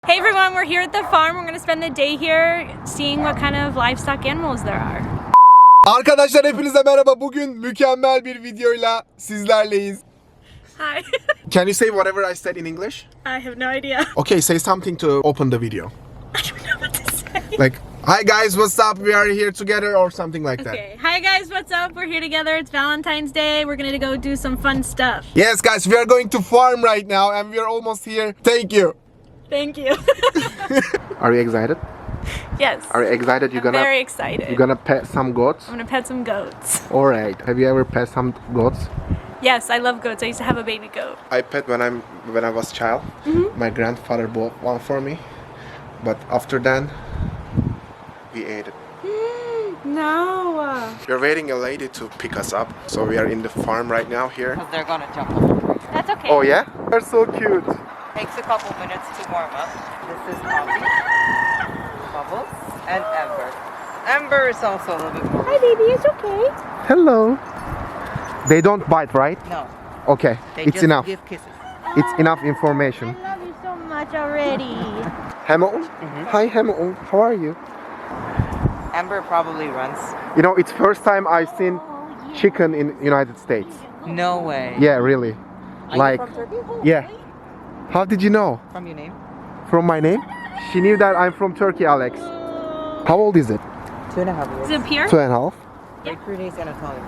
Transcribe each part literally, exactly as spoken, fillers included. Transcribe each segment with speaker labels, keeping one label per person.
Speaker 1: Hey everyone, we're here at the farm. We're going to spend the day here seeing what kind of livestock animals there are.
Speaker 2: Arkadaşlar hepinize merhaba. Bugün mükemmel bir videoyla sizlerleyiz.
Speaker 1: Hi.
Speaker 2: Can you say whatever I said in English?
Speaker 1: I have no idea.
Speaker 2: Okay, say something to open the video.
Speaker 1: I don't know what to say.
Speaker 2: Like, hi guys, what's up? We are here together or something like that.
Speaker 1: Okay. Hi guys, what's up? We're here together. It's Valentine's Day. We're going to go do some fun stuff.
Speaker 2: Yes guys, we are going to farm right now and we are almost here. Thank you.
Speaker 1: Thank you.
Speaker 2: Are you excited?
Speaker 1: Yes.
Speaker 2: Are you excited? You're
Speaker 1: I'm
Speaker 2: gonna
Speaker 1: very excited.
Speaker 2: you're gonna pet some goats?
Speaker 1: I'm going to pet some goats.
Speaker 2: All right. Have you ever pet some goats?
Speaker 1: Yes, I love goats. I used to have a baby goat.
Speaker 2: I pet when I'm when I was child.
Speaker 1: Mm-hmm.
Speaker 2: My grandfather bought one for me, but after then we ate it.
Speaker 1: No.
Speaker 2: We're waiting a lady to pick us up, so we are in the farm right now here.
Speaker 3: Because they're gonna jump over.
Speaker 1: That's okay.
Speaker 2: Oh yeah? They're so cute.
Speaker 3: Takes a couple minutes to warm up. This is Coffee, Bubbles, and Ember. Ember is also a little bit more.
Speaker 1: Hi baby, it's okay.
Speaker 2: Hello. They don't bite, right?
Speaker 3: No,
Speaker 2: Okay,
Speaker 3: they
Speaker 2: it's
Speaker 3: just
Speaker 2: enough.
Speaker 3: give kisses.
Speaker 2: It's enough information.
Speaker 1: I love you so much already.
Speaker 2: Hamilton? Hi Hamilton, how are you?
Speaker 3: Ember probably runs.
Speaker 2: You know, it's first time I've seen chicken in United States.
Speaker 3: No way.
Speaker 2: Yeah, really.
Speaker 3: Are
Speaker 2: Like,
Speaker 3: you from Turkey?
Speaker 2: yeah. How did you know?
Speaker 3: From your name?
Speaker 2: From my name? She knew that I'm from Turkey, Alex. How old is it?
Speaker 3: Two and a half years.
Speaker 1: Is it pure?
Speaker 2: Two and a half.
Speaker 3: Great Pyrenees Anatolia.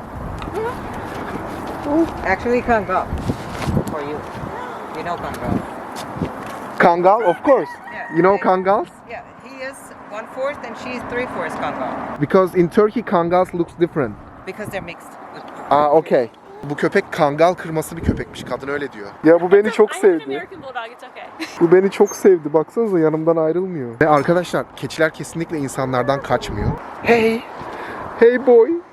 Speaker 3: Actually, Kangal. For you. You know Kangal.
Speaker 2: Kangal, of course.
Speaker 3: Yeah.
Speaker 2: You know
Speaker 3: They-
Speaker 2: Kangals?
Speaker 3: Yeah, he is one fourth and she's three fourths Kangal.
Speaker 2: Because in Turkey Kangals looks different.
Speaker 3: Because they're mixed. With
Speaker 2: Aa, okay. Bu köpek Kangal kırması bir köpekmiş. Kadın öyle diyor. Ya bu beni çok
Speaker 1: I have an
Speaker 2: sevdi.
Speaker 1: American bulldog. It's okay.
Speaker 2: Bu beni çok sevdi. Baksanıza yanımdan ayrılmıyor. Ve arkadaşlar keçiler kesinlikle insanlardan kaçmıyor. Hey. Hey boy.
Speaker 1: Hi.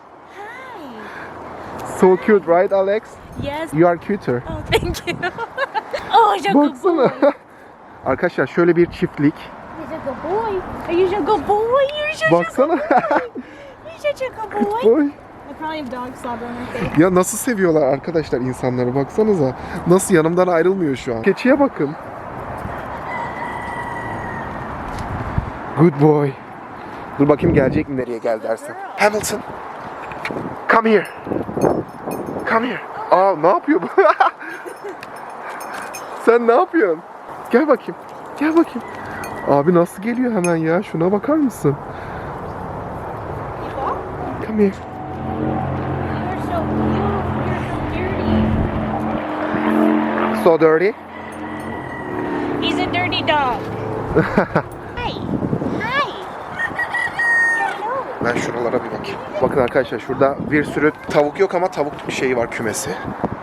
Speaker 2: So cute, right Alex?
Speaker 1: Yes.
Speaker 2: You are cuter.
Speaker 1: Oh, thank you. Oh, he's a good boy.
Speaker 2: Baksana. Arkadaşlar şöyle bir çiftlik.
Speaker 1: He's a good boy. Are you a good boy? You're such a
Speaker 2: Baksana.
Speaker 1: good boy. You're such a good boy.
Speaker 2: Boy.
Speaker 1: I probably have dog slobber on my face.
Speaker 2: Ya nasıl seviyorlar arkadaşlar insanları, baksanıza. Nasıl yanımdan ayrılmıyor şu an. Keçiye bakın. Good boy. Dur bakayım gelecek mi, nereye gel dersen. Hamilton. Come here. Come here. Aa, ne yapıyor bu? Sen ne yapıyorsun? Gel bakayım. Gel bakayım. Abi nasıl geliyor hemen ya? Şuna bakar mısın? Come here.
Speaker 1: You're so cute. You're
Speaker 2: So
Speaker 1: so dirty.
Speaker 2: dirty.
Speaker 1: He's a dirty dog. Hi. Hi. Hello.
Speaker 2: Ben şuralara bir bakayım. Bakın arkadaşlar, şurada bir sürü tavuk yok ama tavuk bir şeyi var, kümesi.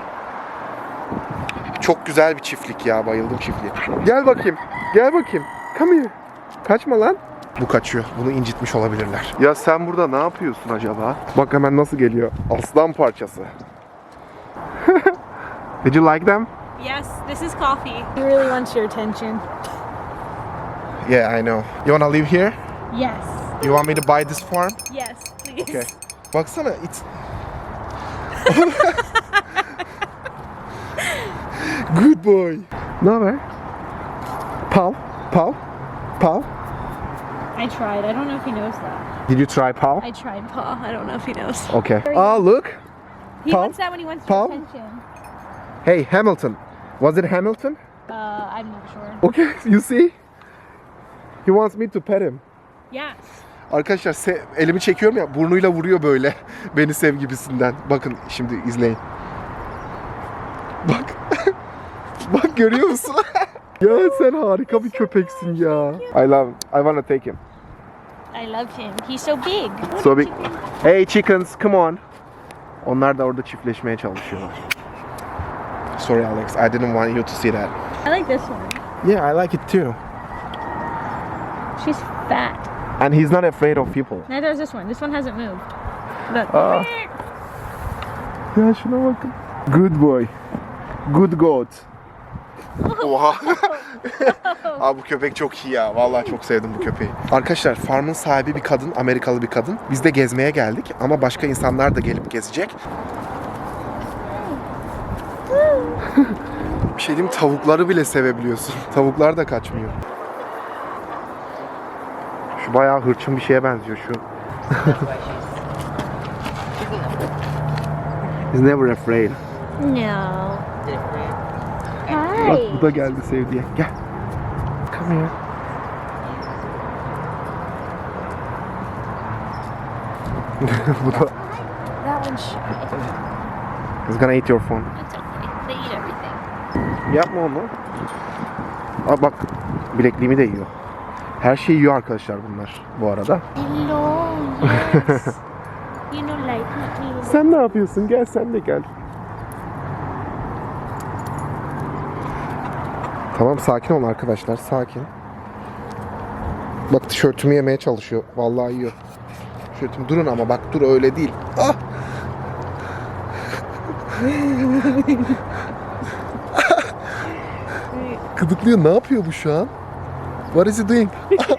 Speaker 2: Çok güzel bir çiftlik ya, bayıldım çiftliğe. Gel bakayım, gel bakayım. Come here. Kaçma lan. Bu kaçıyor. Bunu incitmiş olabilirler. Ya sen burada ne yapıyorsun acaba? Bak hemen nasıl geliyor. Aslan parçası. Did you like them?
Speaker 1: Yes, this is Coffee. He really wants your attention.
Speaker 2: Yeah, I know. You wanna live here?
Speaker 1: Yes.
Speaker 2: You want me to buy this farm?
Speaker 1: Yes, please.
Speaker 2: Okay. Baksana, it's... Good boy. Ne haber? Paw? Paw? Paw?
Speaker 1: I tried. I don't know if he knows that.
Speaker 2: Did you try paw?
Speaker 1: I tried paw. I don't know if he knows.
Speaker 2: Okay. Ah, look.
Speaker 1: He
Speaker 2: Paw?
Speaker 1: wants that when he wants
Speaker 2: Paw?
Speaker 1: your attention.
Speaker 2: Hey, Hamilton. Was it Hamilton?
Speaker 1: Uh, I'm not sure.
Speaker 2: Okay, you see? He wants me to pet him.
Speaker 1: Yes.
Speaker 2: Arkadaşlar se- elimi çekiyorum ya, burnuyla vuruyor böyle. Beni sev gibisinden. Bakın şimdi izleyin. Bak. Bak görüyor musun? Ya sen harika bir köpeksin ya. I love, I wanna take him.
Speaker 1: I love him. He's so big.
Speaker 2: So big. Hey chickens, come on. Onlar da orada çiftleşmeye çalışıyorlar. Sorry Alex, I didn't want you to see that.
Speaker 1: I like this one.
Speaker 2: Yeah, I like it too.
Speaker 1: She's fat.
Speaker 2: And he's not afraid of people.
Speaker 1: Neither is this one. This one hasn't moved. Look.
Speaker 2: Aa. Ya şuna bakın. Good boy. Good goat. Oha. Abi bu köpek çok iyi ya. Vallahi çok sevdim bu köpeği. Arkadaşlar farmın sahibi bir kadın, Amerikalı bir kadın. Biz de gezmeye geldik ama başka insanlar da gelip gezecek. Bir şey diyeyim, tavukları bile sevebiliyorsun. Tavuklar da kaçmıyor. Şu bayağı hırçın bir şeye benziyor şu.
Speaker 3: That's why she's. She's enough.
Speaker 2: He's never afraid.
Speaker 1: No.
Speaker 3: Different.
Speaker 2: Bak
Speaker 1: Hi.
Speaker 2: bu da geldi sevdiye. Gel. Come here. Bu da
Speaker 1: That one's shy.
Speaker 2: He's gonna eat your phone.
Speaker 1: It's okay. They eat everything.
Speaker 2: Yapma onu. Aa bak bilekliğimi de yiyor. Her şeyi yiyor arkadaşlar bunlar bu arada.
Speaker 1: Hello. Yes. You know, like me.
Speaker 2: Sen ne yapıyorsun? Gel sen de gel. Tamam sakin olun arkadaşlar sakin. Bak tişörtümü yemeye çalışıyor. Vallahi yiyor. Tişörtüm durun ama bak dur öyle değil. Ah! Gıdıklıyor. Ne yapıyor bu şu an? What is he doing?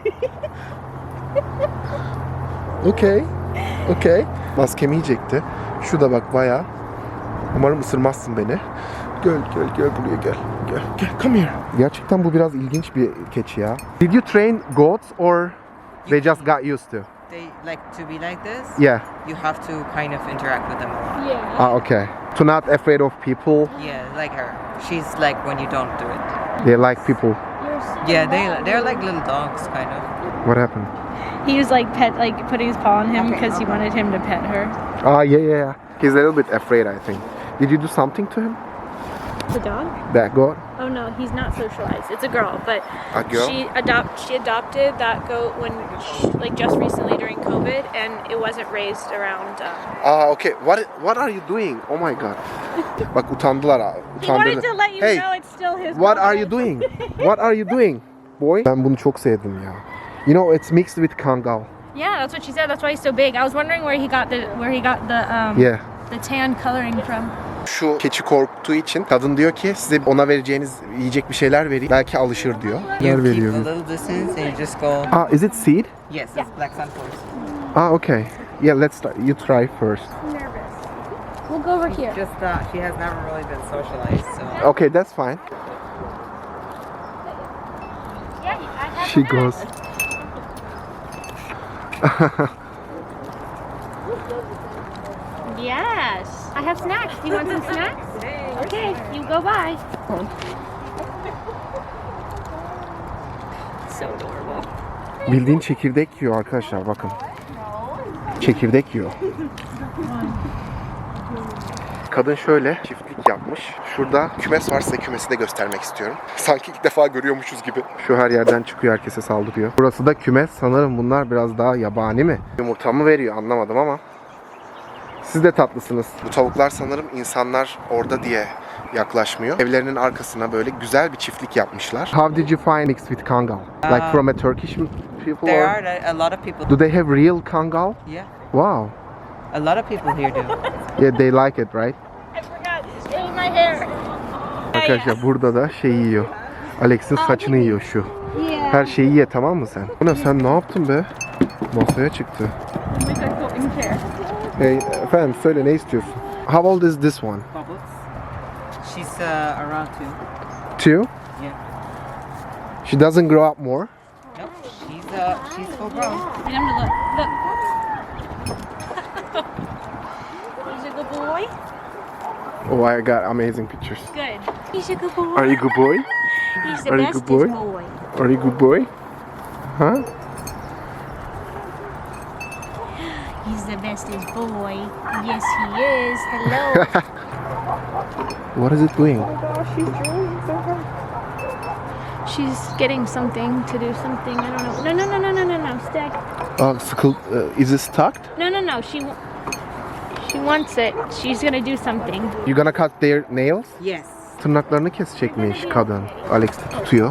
Speaker 2: Okay. Okay. Maskemi yiyecekti. Şu da bak bayağı. Umarım ısırmazsın beni. Gel gel gel buraya gel. Gel gel come here. Gerçekten bu biraz ilginç bir keçi ya. Did you train goats or they just got used to?
Speaker 3: They like to be like this.
Speaker 2: Yeah.
Speaker 3: You have to kind of interact with them a lot.
Speaker 1: Yeah.
Speaker 2: Ah okay. To not afraid of people.
Speaker 3: Yeah, like her. She's like when you don't do it.
Speaker 2: They like people.
Speaker 1: You're so
Speaker 3: Yeah, they
Speaker 1: loud.
Speaker 3: they're like little dogs, kind of.
Speaker 2: What happened?
Speaker 1: He was like pet, like putting his paw on him
Speaker 3: Okay,
Speaker 1: because he
Speaker 3: okay.
Speaker 1: wanted him to pet her.
Speaker 2: Ah yeah yeah yeah. He's a little bit afraid I think. Did you do something to him?
Speaker 1: The dog?
Speaker 2: That goat?
Speaker 1: Oh no, he's not socialized. It's a girl, but
Speaker 2: A girl?
Speaker 1: she adopt she adopted that goat when she, like just recently during COVID, and it wasn't raised around. Um,
Speaker 2: Ah okay. What what are you doing? Oh my god. Bak utandılar ha.
Speaker 1: he wanted
Speaker 2: Utandırdı.
Speaker 1: to let you
Speaker 2: Hey,
Speaker 1: know it's still his.
Speaker 2: what are
Speaker 1: dog.
Speaker 2: you doing? What are you doing? Boy. Ben bunu çok sevdim ya. You know it's mixed with Kangal.
Speaker 1: Yeah, that's what she said. That's why he's so big. I was wondering where he got the where he got the um
Speaker 2: Yeah.
Speaker 1: the tan coloring from.
Speaker 2: Şu keçi korktuğu için kadın diyor ki size ona vereceğiniz yiyecek bir şeyler vereyim. Belki alışır diyor.
Speaker 3: You
Speaker 2: Yer
Speaker 3: keep a
Speaker 2: veriyor.
Speaker 3: little distance and you just go.
Speaker 2: Ah, is it seed?
Speaker 3: Yes, it's black sun forest.
Speaker 2: Ah, okay. Yeah, let's start. You try first.
Speaker 1: Nervous. We'll go over here.
Speaker 3: Just uh, she has never really been socialized, so.
Speaker 2: Okay, that's fine.
Speaker 1: Yeah, I have
Speaker 2: She
Speaker 1: that.
Speaker 2: goes.
Speaker 1: Yes. I have snacks. Do you want some snacks? Okay, you go buy. So adorable.
Speaker 2: Bildiğin çekirdek yiyor arkadaşlar bakın. Çekirdek yiyor. Kadın şöyle çiftlik yapmış. Şurada kümes var, size kümesi de göstermek istiyorum. Sanki ilk defa görüyormuşuz gibi. Şu her yerden çıkıyor, herkese saldırıyor. Burası da kümes. Sanırım bunlar biraz daha yabani mi? Yumurta mı veriyor anlamadım ama. Siz de tatlısınız. Bu tavuklar sanırım insanlar orada diye yaklaşmıyor. Evlerinin arkasına böyle güzel bir çiftlik yapmışlar. How did you find mixed with Kangal? Like
Speaker 3: Uh,
Speaker 2: from a Turkish people
Speaker 3: There
Speaker 2: or?
Speaker 3: are a lot of people.
Speaker 2: Do they have real Kangal?
Speaker 3: Yeah,
Speaker 2: Wow.
Speaker 3: a lot of people here do.
Speaker 2: Yeah, they like it, right?
Speaker 1: I forgot. It was my hair.
Speaker 2: Arkadaşlar burada da şey yiyor. Alex'in saçını yiyor şu.
Speaker 1: Yeah.
Speaker 2: Her şeyi ye tamam mı sen? Bu ne sen ne yaptın be? Masaya çıktı. Hey, efendim söyle ne istiyorsun? How old is this one?
Speaker 3: Bubbles. She's uh, around two.
Speaker 2: Two?
Speaker 3: Yeah.
Speaker 2: She doesn't grow up more?
Speaker 3: Nope. She's uh, she's full grown.
Speaker 1: Get him to look. Look. He's a good boy.
Speaker 2: Oh, I got amazing pictures.
Speaker 1: Good. He's a good boy.
Speaker 2: Are you good boy?
Speaker 1: He's the
Speaker 2: are you
Speaker 1: bestest
Speaker 2: good boy?
Speaker 1: boy.
Speaker 2: Are you good boy? Huh?
Speaker 1: He's the bestest boy. Yes, he is. Hello.
Speaker 2: What is it doing?
Speaker 1: She's getting something to do something. I don't know. No, no, no, no, no, no, no. Stay.
Speaker 2: Oh, sıkıl, uh, is it stuck?
Speaker 1: No, no, no. She, wa- she wants it. She's gonna do something.
Speaker 2: You gonna cut their nails?
Speaker 3: Yes.
Speaker 2: Tırnaklarını kesecekmiş kadın. Alex de tutuyor.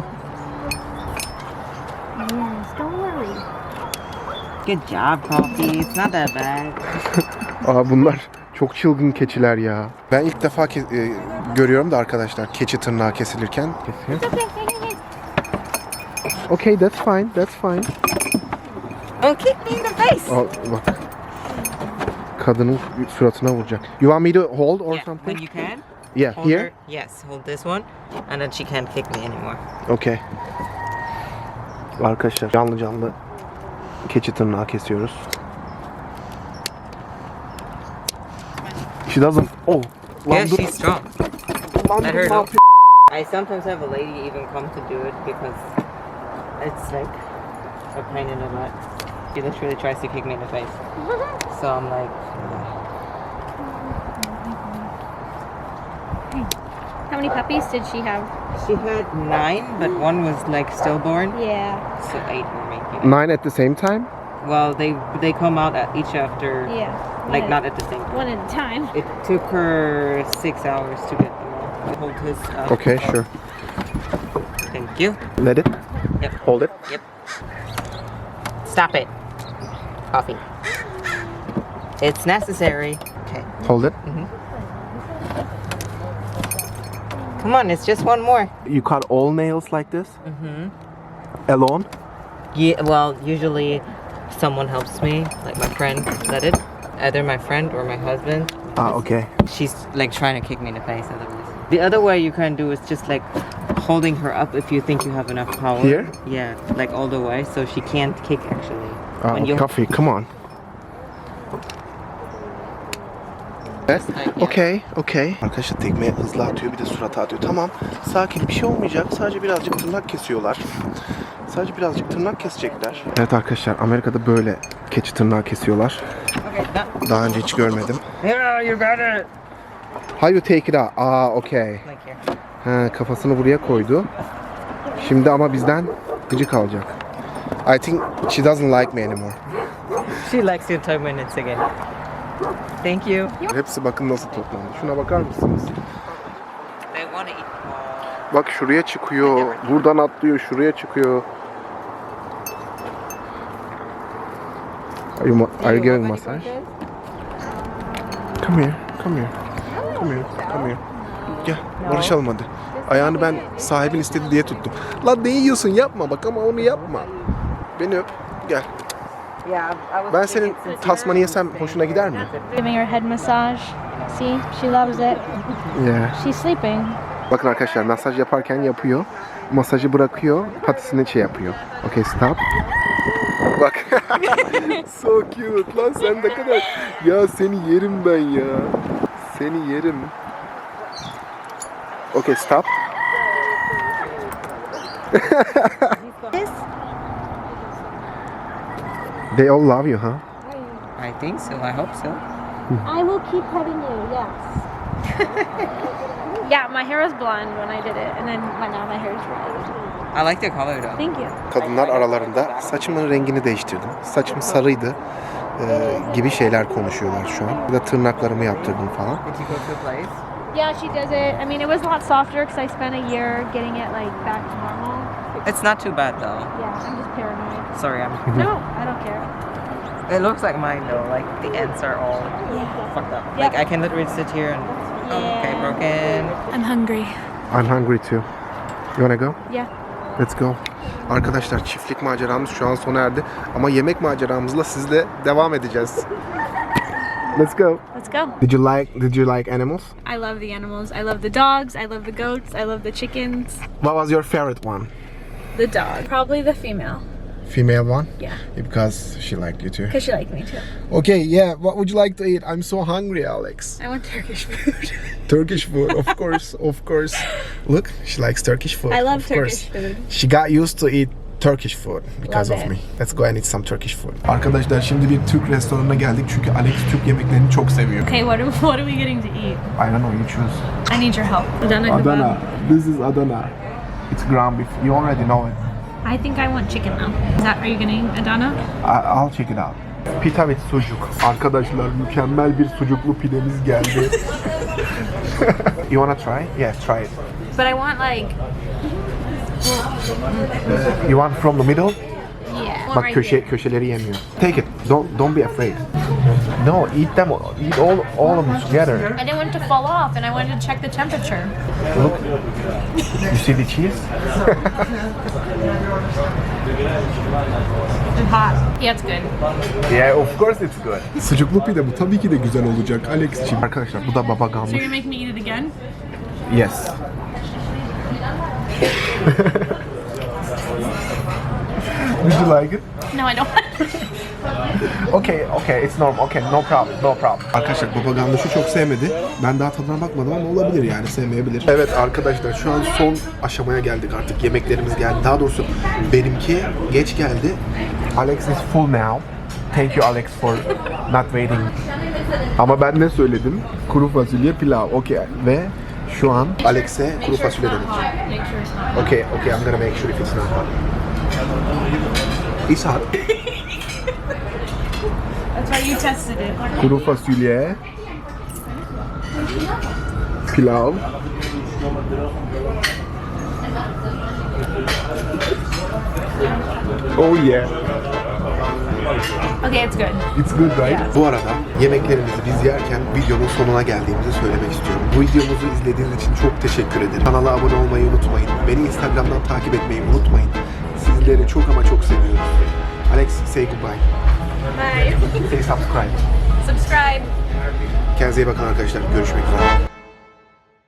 Speaker 1: Yes, don't worry.
Speaker 3: Good job, Coffee. It's not that bad.
Speaker 2: Aa bunlar çok çılgın keçiler ya. Ben ilk defa ke- e, görüyorum da arkadaşlar keçi tırnağı kesilirken. Kesiyor. Okay, that's fine, that's fine.
Speaker 3: Don't kick me in the face.
Speaker 2: Aa, bak. Kadının suratına vuracak. You want me to hold or
Speaker 3: Yeah,
Speaker 2: something?
Speaker 3: when you can.
Speaker 2: Yeah,
Speaker 3: Hold
Speaker 2: here?
Speaker 3: her. Yes, hold this one, and then she can't kick me anymore.
Speaker 2: Okay. Arkadaşlar canlı canlı keçi tırnağı kesiyoruz. She doesn't. Oh.
Speaker 3: Yeah,
Speaker 2: Lan dur.
Speaker 3: she's strong.
Speaker 2: Lan
Speaker 3: Let
Speaker 2: dur,
Speaker 3: her
Speaker 2: ne
Speaker 3: know.
Speaker 2: yapıyor?
Speaker 3: I sometimes have a lady even come to do it because it's like a pain in the butt. She literally tries to kick me in the face. So I'm like,
Speaker 1: How many puppies did she have?
Speaker 3: she had nine, but one was like stillborn,
Speaker 1: Yeah.
Speaker 3: so eight were making.
Speaker 2: Nine at the same time?
Speaker 3: Well, they they come out at each after,
Speaker 1: Yeah.
Speaker 3: like
Speaker 1: One
Speaker 3: not
Speaker 1: at,
Speaker 3: at the same time.
Speaker 1: one at a time.
Speaker 3: It took her six hours to get them all. Hold his. Uh,
Speaker 2: Okay, sure.
Speaker 3: Thank you.
Speaker 2: Let it.
Speaker 3: Yep.
Speaker 2: Hold it.
Speaker 3: Yep. Stop it. Coffee. It's necessary. Okay.
Speaker 2: Hold it.
Speaker 3: Come on, it's just one more.
Speaker 2: You cut all nails like this?
Speaker 3: Mm-hmm.
Speaker 2: Alone?
Speaker 3: Yeah, well, usually someone helps me, like my friend that it. Either my friend or my husband.
Speaker 2: Ah, okay.
Speaker 3: She's like trying to kick me in the face otherwise. The other way you can do is just like holding her up if you think you have enough power.
Speaker 2: Here?
Speaker 3: Yeah, like all the way, so she can't kick actually.
Speaker 2: Ah,
Speaker 3: When you-
Speaker 2: coffee, come on. Evet. Okey, okey. Arkadaşlar tekme hızlı atıyor, bir de surata atıyor. Tamam, sakin, bir şey olmayacak. Sadece birazcık tırnak kesiyorlar. Sadece birazcık tırnak kesecekler. Evet arkadaşlar, Amerika'da böyle keçi tırnağı kesiyorlar.
Speaker 3: Okay, done.
Speaker 2: Daha önce hiç görmedim.
Speaker 3: Here, you got it.
Speaker 2: How you take it out? Aa, okey.
Speaker 3: Like here.
Speaker 2: Ha, kafasını buraya koydu. Şimdi ama bizden gıcık alacak. I think she doesn't like me anymore.
Speaker 3: She likes you ten minutes again. Thank you.
Speaker 2: Hepsi bakın nasıl toplandı. Şuna bakar mısınız?
Speaker 3: They want to eat more.
Speaker 2: Bak şuraya çıkıyor, buradan atlıyor, şuraya çıkıyor. Are you, ma- are you giving massage? Come here, come here, come here, come here. Gel, barışalım hadi. Ayağını ben sahibin istedi diye tuttum. Lan ne yiyorsun, yapma bak ama onu yapma. Beni öp, gel.
Speaker 3: Yeah, I was
Speaker 2: Ben senin tasmanı yesem hoşuna gider mi?
Speaker 1: Giving her head massage. See, she loves it.
Speaker 2: Yeah.
Speaker 1: She's sleeping.
Speaker 2: Bakın arkadaşlar masaj yaparken yapıyor. Masajı bırakıyor, patisini şey yapıyor. Okay, stop. Bak. So cute lan sen ne kadar. Ya seni yerim ben ya. Seni yerim. Okay, stop. They all love you, huh?
Speaker 3: I think so. I hope so.
Speaker 1: I will keep petting you, yes. Yeah, my hair was blonde when I did it, and then my, now my hair is red.
Speaker 3: I like the color though.
Speaker 1: Thank you.
Speaker 2: Kadınlar aralarında saçımın rengini değiştirdim. Saçım sarıydı e, gibi şeyler konuşuyorlar şu an. Ya da tırnaklarımı yaptırdım falan.
Speaker 3: Did you go to a place?
Speaker 1: Yeah, she does it. I mean, it was a lot softer because I spent a year getting it like back to normal.
Speaker 3: It's not too bad though.
Speaker 1: Yeah, I'm just paranoid.
Speaker 3: Sorry, I'm.
Speaker 1: No, I don't care.
Speaker 3: It looks like mine though. Like the ends are all
Speaker 1: Yeah.
Speaker 3: fucked up.
Speaker 1: Yep.
Speaker 3: Like I can literally sit here and. Oh, okay, broken.
Speaker 1: I'm hungry.
Speaker 2: I'm hungry too. You wanna go?
Speaker 1: Yeah.
Speaker 2: Let's go. Arkadaşlar çiftlik maceramız şu an sona erdi. Ama yemek maceramızla sizle devam edeceğiz. Let's go.
Speaker 1: Let's go.
Speaker 2: Did you like Did you like animals?
Speaker 1: I love the animals. I love the dogs. I love the goats. I love the chickens.
Speaker 2: What was your favorite one?
Speaker 1: The dog. Probably the female.
Speaker 2: Female one?
Speaker 1: Yeah.
Speaker 2: Because she liked you too.
Speaker 1: Because she liked me too.
Speaker 2: Okay, yeah. What would you like to eat? I'm so hungry, Alex.
Speaker 1: I want Turkish food.
Speaker 2: Turkish food, of course, of course. Look, she likes Turkish food.
Speaker 1: I love
Speaker 2: of
Speaker 1: Turkish
Speaker 2: course.
Speaker 1: food.
Speaker 2: She got used to eat Turkish food because
Speaker 1: Love
Speaker 2: of
Speaker 1: it.
Speaker 2: me. Let's go and eat some Turkish food. Arkadaşlar şimdi bir Türk restoranına geldik çünkü Alex Türk yemeklerini çok seviyor.
Speaker 1: Okay, what are, what are we getting to eat?
Speaker 2: I don't know, you choose.
Speaker 1: I need your help. Adana
Speaker 2: Adana.
Speaker 1: kebab.
Speaker 2: This is Adana. It's ground beef. You already know it.
Speaker 1: I think I want chicken though. Is that, are you getting Adana?
Speaker 2: I- I'll check it out. Pita with sucuk. Arkadaşlar mükemmel bir sucuklu pidemiz geldi. You wanna try? Yeah, try it.
Speaker 1: But I want like,
Speaker 2: You want from the middle?
Speaker 1: yeah.
Speaker 2: Bak köşe köşeleri yemiyor. Take it. Don't don't be afraid. No, eat them. Eat all all of them together.
Speaker 1: I didn't want it to fall off, and I wanted to check the temperature.
Speaker 2: Look. You see the cheese?
Speaker 1: It's hot. Yeah, it's good.
Speaker 2: Yeah, of course it's good. Sucuklu pide bu tabii ki de güzel olacak Alex'ciğim. Arkadaşlar bu da baba
Speaker 1: So
Speaker 2: ganoush.
Speaker 1: you're gonna make me eat it again?
Speaker 2: Yes. Did you like it?
Speaker 1: No, I don't.
Speaker 2: Okay, okay, it's normal. Okay, no problem, no problem. Arkadaşlar baba gandaşı çok sevmedi. Ben daha tadına bakmadım ama olabilir yani, sevmeyebilir. Evet arkadaşlar şu an son aşamaya geldik artık. Yemeklerimiz geldi. Daha doğrusu benimki geç geldi. Alex is full now. Thank you Alex for not waiting. Ama ben ne söyledim? Kuru fasulye pilav. Okay. Ve şu an Alex'e kuru fasulye dedik. Okay, okay, I'm gonna make sure if it's not hot. It's hot.
Speaker 1: That's why you tested it.
Speaker 2: Kuru fasulye, pilav, oh yeah,
Speaker 1: Okay, it's good.
Speaker 2: it's good right? Bu arada yemeklerimizi biz yerken videonun sonuna geldiğimizi söylemek istiyorum. Bu videomuzu izlediğiniz için çok teşekkür ederim. Kanala abone olmayı unutmayın. Beni Instagram'dan takip etmeyi unutmayın. Sizleri çok ama çok seviyoruz. Alex, say goodbye.
Speaker 1: Bye.
Speaker 2: Say subscribe.
Speaker 1: Subscribe.
Speaker 2: Kendinize iyi bakın arkadaşlar. Görüşmek üzere.